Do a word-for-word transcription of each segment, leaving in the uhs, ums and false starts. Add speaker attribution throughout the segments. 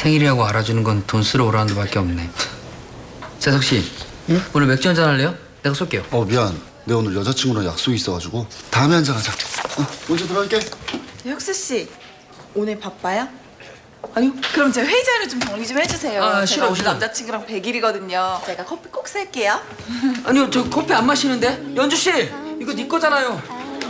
Speaker 1: 생일이라고 알아주는 건 돈 쓰러 오라는 데밖에 없네. 재석 씨,
Speaker 2: 응?
Speaker 1: 오늘 맥주 한잔 할래요? 내가 쏠게요.
Speaker 2: 어 미안. 내가 오늘 여자친구랑 약속이 있어가지고 다음에 한잔 하자. 어, 먼저 들어갈게.
Speaker 3: 혁수 씨, 오늘 바빠요? 아니요. 그럼 제가 회의 자료 좀 정리 좀 해주세요.
Speaker 1: 아,
Speaker 3: 제가
Speaker 1: 싫어,
Speaker 3: 오늘
Speaker 1: 싫어.
Speaker 3: 남자친구랑 백 일이거든요. 제가 커피 꼭 살게요.
Speaker 1: 아니요, 저 커피 안 마시는데. 연주 씨, 이거 네 거잖아요.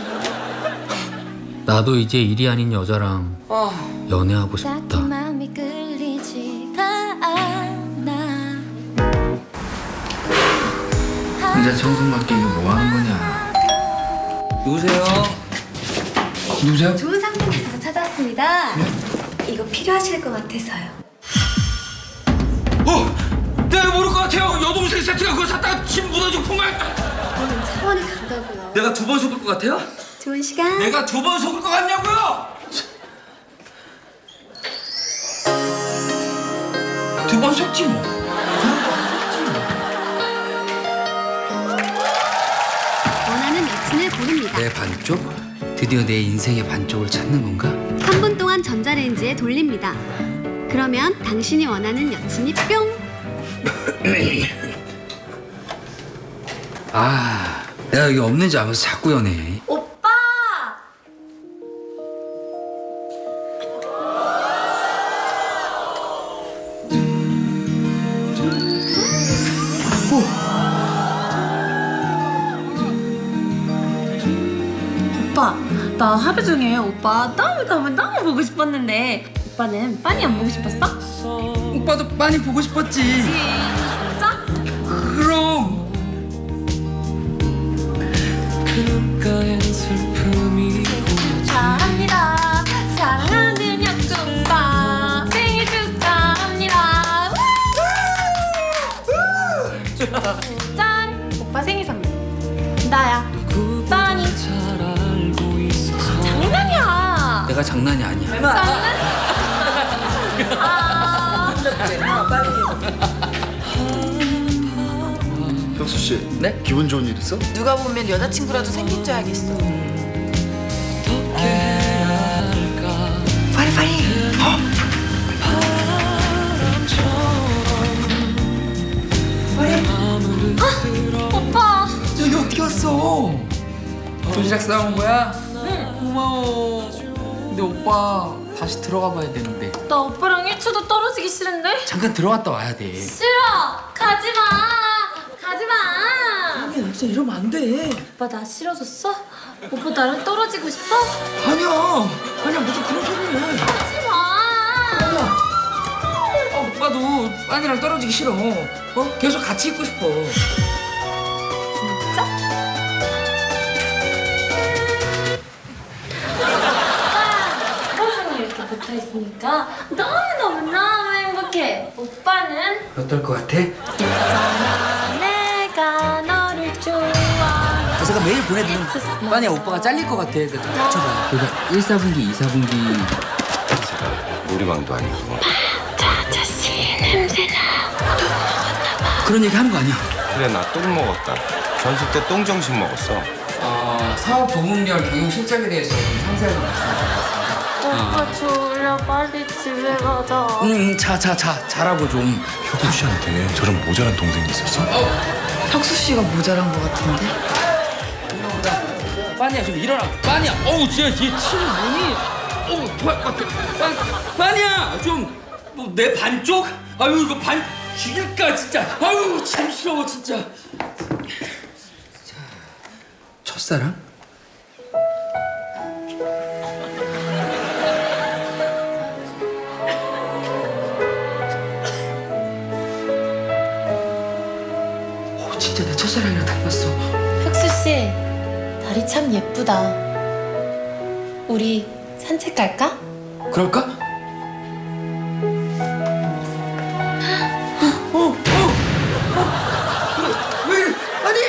Speaker 1: 나도 이제 일이 아닌 여자랑
Speaker 3: 아,
Speaker 1: 연애하고 싶다.
Speaker 4: 딱히 마음이 끌리지가 않아.
Speaker 1: 혼자 청승맞게 이거 뭐 하는 거냐? 누구세요? 누구세요?
Speaker 4: 좋은 상품 있어서 찾아왔습니다. 이거 필요하실 것 같아서요.
Speaker 1: 어! 내가 모를 것 같아요. 여동생 세트가 그거 샀다가 침 묻어지고 풍말.
Speaker 4: 저는 차원이 다르다고요.
Speaker 1: 내가 두 번 속을 것 같아요?
Speaker 4: 좋은 시간.
Speaker 1: 내가 두 번 속을 것 같냐고요? 두 번 속지 뭐.
Speaker 4: 원하는 여친을 고릅니다.
Speaker 1: 내 반쪽? 드디어 내 인생의 반쪽을 찾는 건가?
Speaker 4: 삼 분 동안 전자레인지에 돌립니다. 그러면 당신이 원하는 여친이 뿅!
Speaker 1: 아, 내가 여기 없는지 알면서 자꾸 연애.
Speaker 4: 오빠!
Speaker 5: 오빠, 나 하루 중에 오빠 너무 너무 너무 보고 싶었는데 오빠는 빤히 안 보고 싶었어?
Speaker 1: 오빠도 많이 보고 싶었지.
Speaker 5: 진짜?
Speaker 1: 그럼.
Speaker 5: 축하합니다. 사랑하는 혁주 오빠 생일 축하합니다. 짠! 오빠 생일 선물. 나야. 짠이. 장난이야.
Speaker 1: 내가 장난이 아니야.
Speaker 5: 장난? 아.
Speaker 2: 혁수 씨.
Speaker 1: 네?
Speaker 2: 기분 좋은 일 있어?
Speaker 3: 누가 보면 여자친구라도 생긴 줄 알겠어. 빨리 빨리.
Speaker 5: 오빠.
Speaker 1: 여기 어떻게 왔어? 도시락 싸온 거야? 응. 고마워. 근데 오빠 다시 들어가 봐야 되는데.
Speaker 5: 나 오빠랑 일 초도 떨어지기 싫은데?
Speaker 1: 잠깐 들어갔다 와야 돼.
Speaker 5: 싫어! 가지마! 가지마!
Speaker 3: 아니, 진짜 이러면 안 돼.
Speaker 5: 오빠 나 싫어졌어? 오빠 나랑 떨어지고 싶어?
Speaker 1: 아니야. 아니야 무슨 그런 소리를 해.
Speaker 5: 하지마!
Speaker 1: 아, 오빠도 빤이랑 떨어지기 싫어. 어? 계속 같이 있고 싶어.
Speaker 5: 진짜? 오빠 하루 종일 이렇게 붙어있으니까 너무너무너무 행복해. 오빠는?
Speaker 1: 어떨 것 같아?
Speaker 5: 있잖아 내가 너를 좋아.
Speaker 1: 제가 매일 보내드리는 빤이야 오빠가 잘릴 것 같아. 그좀 맞춰봐. 그러니까 일, 사분기, 이, 사분기.
Speaker 6: 놀이방도 아니고.
Speaker 5: 아저씨 냄새나.
Speaker 1: 그런 얘기 하는 거 아니야?
Speaker 6: 그래 나 똥 먹었다. 전습 때 똥정신 먹었어.
Speaker 1: 어, 사업 부문별 경영 실적에 대해서 좀 상세하게 말씀드리겠습니다.
Speaker 5: 오빠 졸려. 빨리 집에 가자.
Speaker 1: 응, 자, 자, 자, 잘하고 좀.
Speaker 7: 혁수 씨한테 저런 모자란 동생이 있었어?
Speaker 3: 혁수 씨가 모자란 것 같은데.
Speaker 1: 빤이야 좀 일어나. 빤이야. 어우 진짜 얘 침 눈이. 어우 빠, 빠, 빤, 빤이야 좀. 뭐 내 반쪽? 아유 이거 반 죽일까 진짜. 아유 침스러워 진짜. 자, 첫사랑? 오 진짜 내 첫사랑이랑 닮았어.
Speaker 5: 혁수 씨, 달이 참 예쁘다. 우리 산책 갈까?
Speaker 1: 그럴까? 어, 어, 어. 왜 이래? 아니!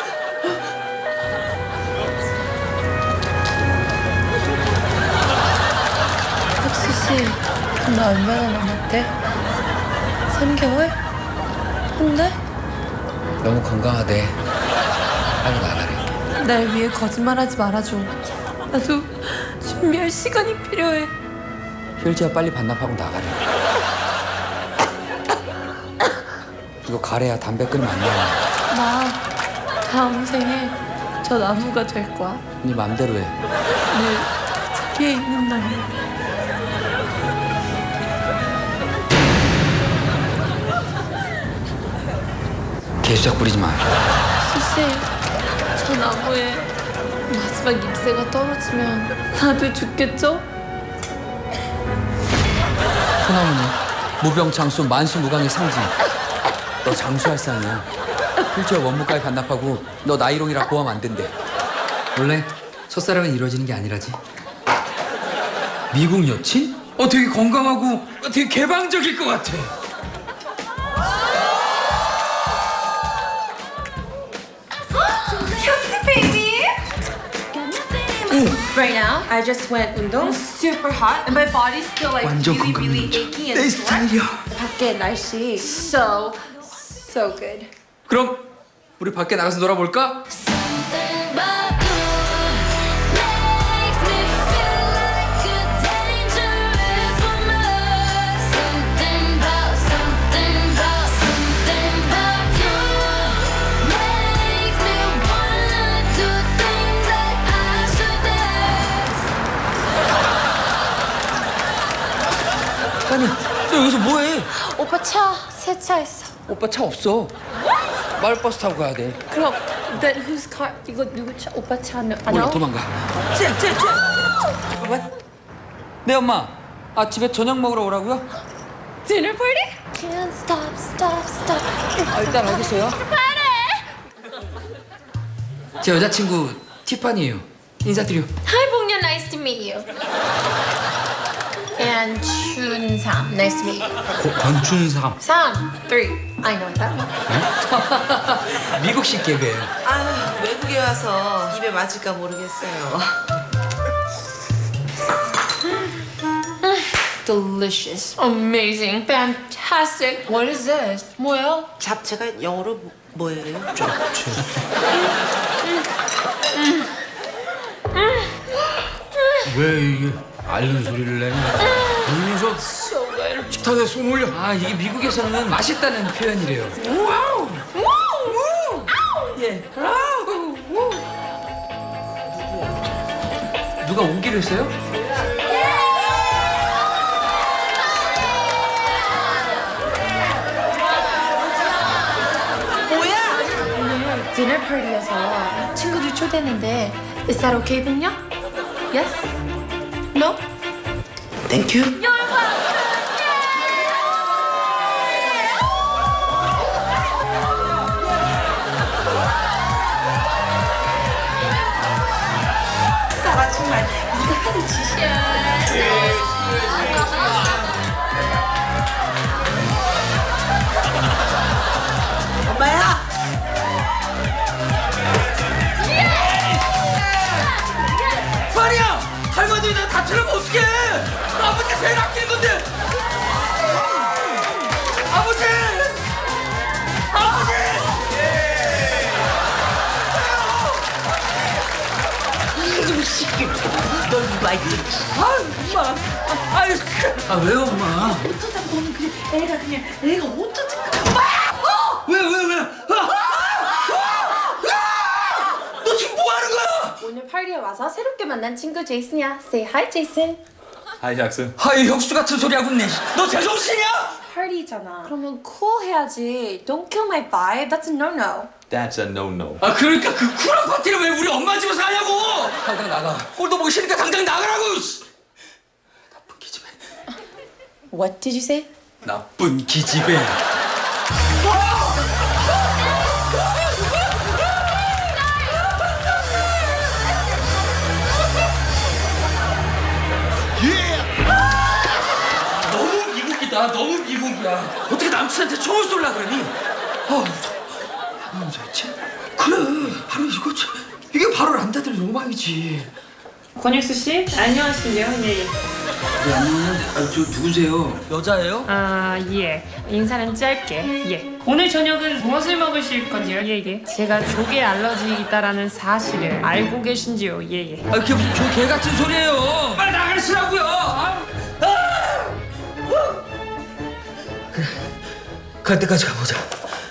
Speaker 5: 혁수 씨, 나 얼마나 남았대? 삼 개월? 한 달?
Speaker 1: 너무 건강하대. 빨리 나가래.
Speaker 5: 날 위해 거짓말하지 말아줘. 나도 준비할 시간이 필요해.
Speaker 1: 혈지야 빨리 반납하고 나가래. 이거 가래야 담배 끊으면 안 돼.
Speaker 5: 나 다음 생에 저 나무가 될 거야.
Speaker 1: 네 맘대로 해.
Speaker 5: 늘 뒤에 있는 날.
Speaker 1: 개수작 부리지 마.
Speaker 5: 글쎄, 저 나무에 마지막 잎새가 떨어지면 다들 죽겠죠?
Speaker 1: 소나무는 무병장수 만수무강의 상징. 너 장수할 상이야. 필지와 원무까지 반납하고 너 나이롱이라 고하면 안 된대. 원래 첫사랑은 이루어지는 게 아니라지. 미국 여친? 어 되게 건강하고 되게 개방적일 것 같아.
Speaker 5: Right now, I just went 운동. Super hot, and my body's still like
Speaker 1: 완전
Speaker 5: really,
Speaker 1: 건강
Speaker 5: really
Speaker 1: 문제.
Speaker 5: achy and
Speaker 1: 내
Speaker 5: sore.
Speaker 1: 스타일이야.
Speaker 5: 밖에 날씨 so, so good.
Speaker 1: 그럼 우리 밖에 나가서 놀아볼까?
Speaker 8: Something about you makes me feel like a dangerous woman. Something about, something about, something about you makes me wanna do things that I shouldn't.
Speaker 1: 아니야, 너 여기서 뭐해?
Speaker 5: 오빠 차 세차했어.
Speaker 1: 오빠 차 없어. 마을버스 타고 가야 돼.
Speaker 5: 그럼 then whose car? 이거 누구 차? 오빠 차 아니야?
Speaker 1: 몰라, 도망가. 잠깐만. 네, 엄마. 아, 집에 저녁 먹으러 오라고요?
Speaker 5: Dinner party?
Speaker 8: Can't stop, stop, stop.
Speaker 1: 아, 일단 어디 있어요? 제 여자친구 티파니예요. 인사드려.
Speaker 5: Hi, 봉년. Nice to meet you. And 춘삼. Nice to meet you.
Speaker 1: 권춘삼.
Speaker 5: 삼, three. I know that one.
Speaker 1: 미국식 개그예요.
Speaker 9: 아, 외국에 와서 입에 맞을까 모르겠어요.
Speaker 5: Delicious. Amazing. Fantastic. What is this? 뭐야?
Speaker 9: 잡채가 영어로 뭐- 뭐예요?
Speaker 1: 왜 이게 앓는 소리를 내냐? 이 녀석 식탁에 손 올려. 아, 이게 미국에서는 맛있다는 표현이래요. 와우! 와우! 예. 아우! 누가 오기로 했어요?
Speaker 5: 오늘 디너 파티여서 친구들 초대했는데 Is that okay, 봉년? Yes? No?
Speaker 9: 땡큐. 싸가 정말 이거 하는 짓이야. 엄마야.
Speaker 1: 파리야! 할머니 나 다치려면 어떡해! 아버지 제일 아끼는 건데! 아버지! 아버지!
Speaker 9: 이좀 시키. 널 누가 있지?
Speaker 1: 아, 엄마! 아, 아유, 아, 왜요, 엄마?
Speaker 9: 어쩌다 보면 그냥 애가 그냥 애가 어쩌지?
Speaker 1: 왜, 왜, 왜? 아! 아! 아! 너 지금 뭐 하는 거야?
Speaker 5: 오늘 파티에 와서 새롭게 만난 친구 제이슨이야. Say hi, 제이슨.
Speaker 7: 하이 잭슨.
Speaker 1: 아이, 혁수 같은 소리 하고 있네. 너 제정신이야?
Speaker 5: 파티잖아. 그러면 cool 해야지. Don't kill my vibe. That's a no-no.
Speaker 7: That's a no-no.
Speaker 1: 아, 그러니까 그 쿨한 파티를 왜 우리 엄마 집에서 하냐고! 당장 나가. 꼴도 보기 싫으니까 당장 나가라고! 씨. 나쁜 기집애.
Speaker 5: What did you say?
Speaker 1: 나쁜 기집애. 너무 미국이다. 너무 미국이야. 어떻게 남친한테 총을 쏠라 그러니? 아, 무서워. 남자지? 그래. 아니 이거 참- 이게 바로 람다들 로망이지.
Speaker 10: 권익수 씨, 안녕하신대요. 예, 예.
Speaker 1: 네, 안녕하세요. 아, 저 누구세요? 여자예요?
Speaker 10: 아, 예. 인사는 짧게. 예. 오늘 저녁은 무엇을 먹으실 건지요? 예, 예. 제가 조개 알러지 있다라는 사실을 알고 계신지요? 예, 예.
Speaker 1: 아, 그게 무슨 저개 같은 소리예요. 빨리 나가시라고요. 아! 아! 그래. 갈 때까지 가보자.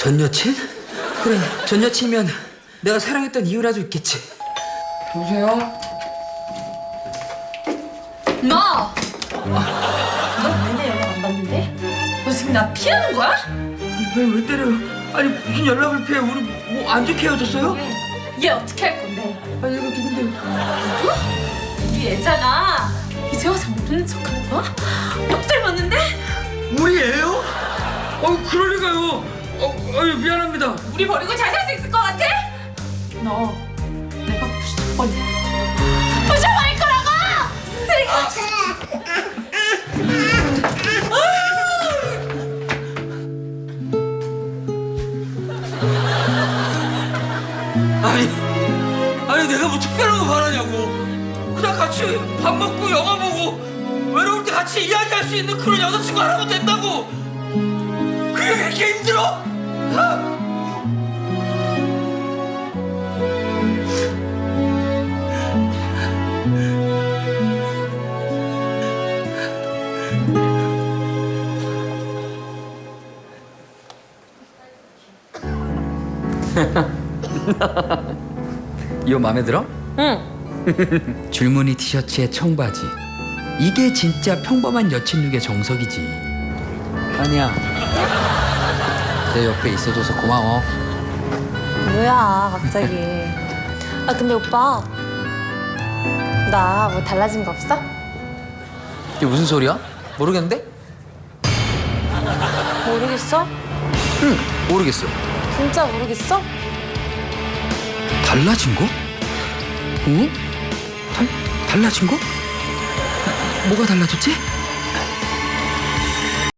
Speaker 1: 전 여친? 그래, 전 여친이면 내가 사랑했던 이유라도 있겠지. 여보세요?
Speaker 5: 너! 너 내내 연락 안 받는데? 너 지금 나 피하는 거야?
Speaker 1: 왜, 왜 때려요? 아니 무슨 연락을 피해? 우리 뭐 안 좋게 헤어졌어요?
Speaker 5: 얘 어떻게 할 건데?
Speaker 1: 아니 이거 누군데요?
Speaker 5: 우리 애잖아. 이제 와서 모르는 척하는 거야? 못 닮았는데?
Speaker 1: 우리 애요? 어 그럴 리가요. 어, 아유 미안합니다.
Speaker 5: 우리 버리고 잘 살 수 있을 것 같아? 너 내가 부셔버릴 부셔버릴 거라고! 쓰레기같이!
Speaker 1: 아니, 아니 내가 뭐 특별한 거 바라냐고. 그냥 같이 밥 먹고 영화 보고 외로울 때 같이 이야기할 수 있는 그런 여자친구 하나면 된다고. 그게 그렇게 힘들어? 어?
Speaker 11: 이거 마음에 들어?
Speaker 5: 응.
Speaker 11: 줄무늬 티셔츠에 청바지. 이게 진짜 평범한 여친 룩의 정석이지. 아니야. 내 옆에 있어줘서 고마워.
Speaker 5: 뭐야 갑자기. 아 근데 오빠 나 뭐 달라진 거 없어?
Speaker 11: 이게 무슨 소리야? 모르겠는데?
Speaker 5: 모르겠어?
Speaker 11: 응, 모르겠어.
Speaker 5: 진짜 모르겠어?
Speaker 11: 달라진 거? 어? 달, 달라진 거? 뭐가 달라졌지?